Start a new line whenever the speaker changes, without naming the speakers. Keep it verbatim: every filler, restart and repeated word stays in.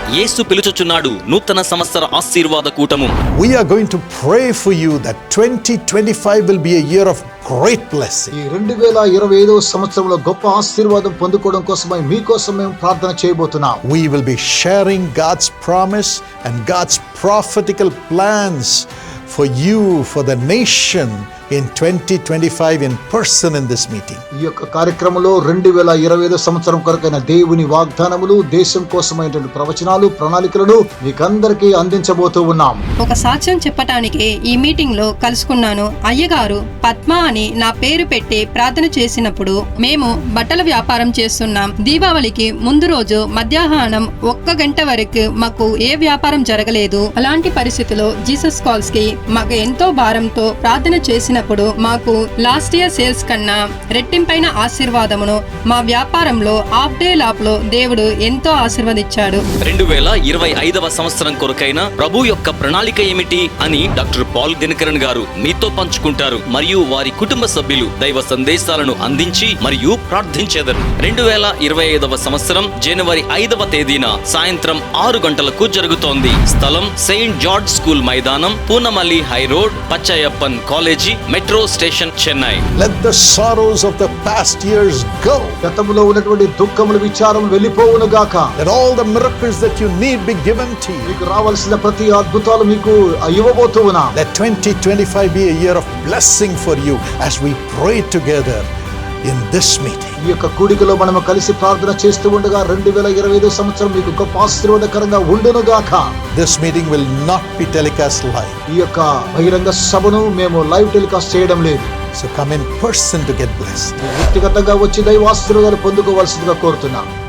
యేసు పిలుచుచున్నాడు నూతన సంవత్సర ఆశీర్వాద కూటము.
We are going to pray for you that twenty twenty-five will be a year of great blessing.
ఈ రెండు వేల ఇరవై ఐదో సంవత్సరంలో గొప్ప ఆశీర్వాదం పొందుకోవడం కోసమై మీకోసం మేము ప్రార్థన చేయబోతున్నాం.
We will be sharing God's promise and God's prophetical plans for you, for the nation in twenty twenty-five in person in this meeting.
ఈ యొక్క కార్యక్రమంలో రెండు వేల ఇరవై ఐదో సంవత్సరం కొరకైన దేవుని వాగ్దానములు, దేశం కోసమైనటువంటి ప్రవచనాలు, ప్రణాళికలను మీకందరికీ అందించబోతూ ఉన్నాం.
ఒక సాక్ష్యం చెప్పటానికి ఈ మీటింగ్ లో కలుసుకున్నాను. అయ్యగారు పద్మ అని నా పేరు పెట్టి ప్రార్థన చేసినప్పుడు మేము బట్టల వ్యాపారం చేస్తున్నాం. దీపావళికి ముందు రోజు మధ్యాహ్నం ఒక్క గంట వరకు మాకు ఏ వ్యాపారం జరగలేదు. అలాంటి పరిస్థితిలో జీసస్ కాల్స్ కి మాకు ఎంతో భారంతో ప్రార్థన చేసిన మాకు లాస్ట్ ఇయర్ సేల్స్ కన్నా రెట్టింపైన ఆశీర్వాదమును మా వ్యాపారంలో హాఫ్ డే లాప్లో దేవుడు ఎంతో ఆశీర్వదించాడు.
రెండు వేల ఇరవై ఐదవ సంవత్సరం కొరకైన ప్రభు యొక్క ప్రణాళిక ఏమిటి అని డాక్టర్ పాల్ దినకరన్ గారు మీతో పంచుకుంటారు. మరియు వారి కుటుంబ సభ్యులు దైవ సందేశాలను అందించి మరియు ప్రార్థించెదరు. రెండు వేల ఇరవై ఐదవ సంవత్సరం జనవరి ఐదవ తేదీన సాయంత్రం ఆరు గంటలకు జరుగుతోంది. స్థలం సెయింట్ జార్జ్ స్కూల్ మైదానం, Poonamallee high road, Pachaiyappan college, metro station, Chennai.
Let the sorrows of the past years go.
గతములో ఉన్నటువంటి దుఃఖములు, విచారం వెళ్ళిపోవును గాక.
Let all the miracles that you need be given to you.
మీకు రావాల్సిన ప్రతి అద్భుతాలు మీకు ఇవ్వబోతూ ఉన్నాం.
Let twenty twenty-five be a year of blessing for you as we pray together in this meeting.
ఈ యొక్క కూడికలో మనము కలిసి ప్రార్థన చేస్తూ ఉండగా రెండు వేల ఇరవై ఐదో సంవత్సరం మీకు గొప్ప ఆశీర్వాదకరంగా ఉండును గాక.
This meeting will not be telecast live.
ఈ యొక్క బహిరంగ సభను మేము లైవ్ టెలికాస్ట్ చేయడం లేదు.
So come in person to get blessed.
వ్యక్తిగతంగా వచ్చి దైవ ఆశీర్వాదాలు పొందుకోవాల్సిందిగా కోరుతున్నాం.